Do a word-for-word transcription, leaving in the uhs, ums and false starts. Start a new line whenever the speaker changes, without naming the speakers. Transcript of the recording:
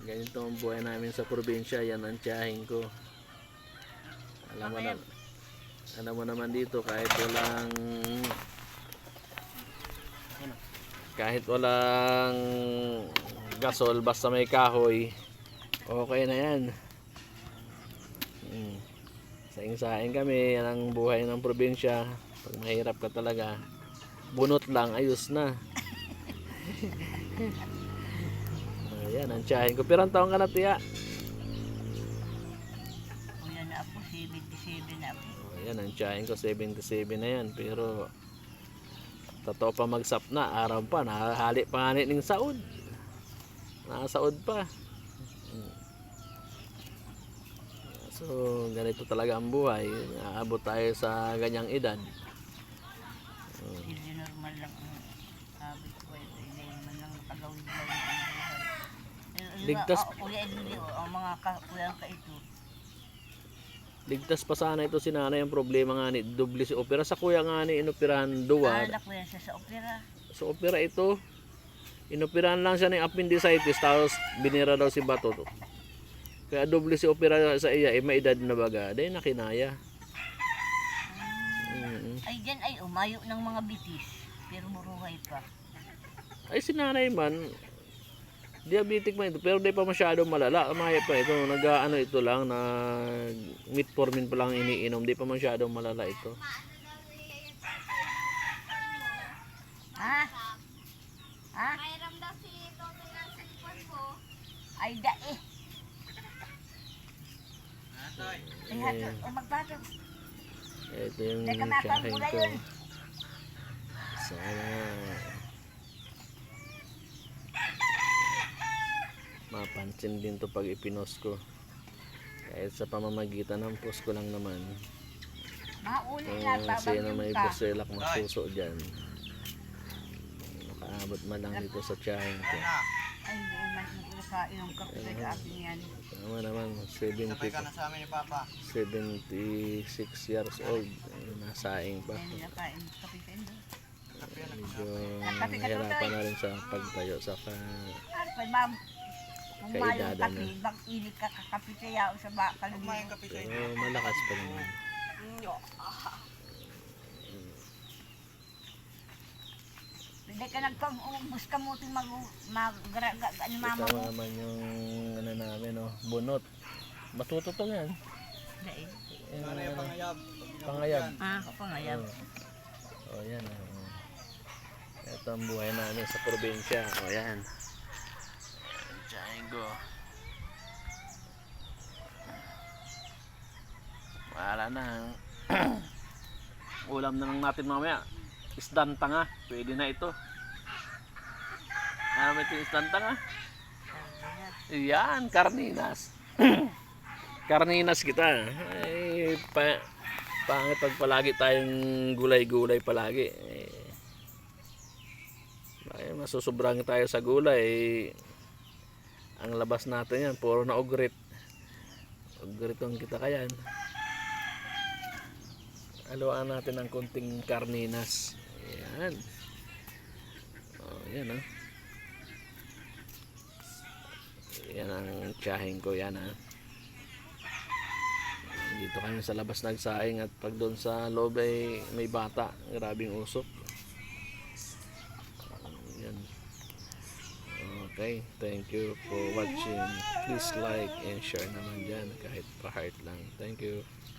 Ganito ang buhay namin sa probinsya. Yan ang tiyahin ko. Alam mo na, alam mo naman dito kahit walang kahit walang gasol basta may kahoy, okay na yan. Hmm. Saing-saing kami. Yan ang buhay ng probinsya. Pag mahirap ka talaga, bunot lang, ayos na. Ayan ang tiyahin ko. Pero ang taong ka na, tiya?
Una na ako, seventy-seven na ako.
Ayan ang tiyahin ko, seventy-seven na yan. Pero totoo pa magsap na, araw pa, nakahali pa nga ng saod. Nakasaod pa. So, ganito talaga ang buhay. Aabot tayo sa ganyang edad.
Hindi normal lang ang habit ko. Hindi man lang nakagawin-gawin ang buhay.
Ligtas,
Kuya Edwin, ang mga kuya ka ito.
ligtas pa sana ito si nanay. Ang problema nga ni, doble si opera. Sa kuya nga ni, inoperahan duwa.
Anak ko yan siya sa opera.
Sa opera ito, inoperahan lang siya ng appendicitis. Tapos binira daw si bato. Kaya doble si opera sa iya. Eh, may edad na baga. Dahil nakinaya. Mm-hmm.
Ay, dyan ay umayo ng mga bitis. Pero buruhay pa.
Ay, si nanay man, diabetic man ito, pero di pa masyadong malala. Maya pa ito, nag-ano ito lang, nag metformin pa lang iniinom, di pa masyadong malala ito.
Ha? Ha?
Mayroon daw si Toto ng cellphone ko.
Ay, da eh. Ay, hato. Ay, magbato.
Ito yung
Teka, makang
tiyahin
gulay
ko.
yun.
Sana mapansin din to pag ipinos ko. Kahit sa pamamagitan ng post ko lang naman.
Mauli
Kung
na,
sino may
ka.
buselak masuso dyan, makaabot man lang dito sa tiyahin ko.
Ay, hindi man nakain ng kape sa akin yan.
Tama naman, seventy,
Sabay ka na sa amin ni Papa.
seventy-six years old. Ay, nasaing pa.
Ay, nakain ng kape sa inyo.
Medyo nahirapan na rin sa pagtayo sa ka,
Ano pa, ma'am? Kung mayong
Kaedada
kape,
na.
bang init ka kakape kaya sa bakal
Kumain
niyo.
kape sa inyo.
pero malakas pa naman.
Hindi ka nagpag-ubus ka mo itong mag mag-garaga ni mama
Ito
mo.
naman yung ano namin, no, bunot. Matututong yan.
Dahil.
Yan,
Sana yung
ano,
pangayab.
pangayab.
Ah, ako nga yan.
Oh, yan. Oh. Ito ang buhay namin sa probinsya. O, oh, yan. Tiyahin ko. Wala na. Ulam na lang natin mamaya. Isdan tanga. Pwede na ito. Ano ba ito yung isdan tanga? Yan, karninas. Karninas kita. Ay, pa, pangit pag palagi tayong gulay-gulay palagi. Eh, ay, masusobrang tayo sa gulay. Eh, ang labas natin yan, puro na ugrit. Ugrit ang kita kayan. Haluan natin ng konting karninas. Ayan. Oh, yan ah. Yan ang tiyahin ko, yan ah. Dito kami sa labas nagsaing at pag doon sa loob ay may bata. Grabing usok. Yan. Okay, thank you for watching. Please like and share naman dyan kahit pa heart lang. Thank you.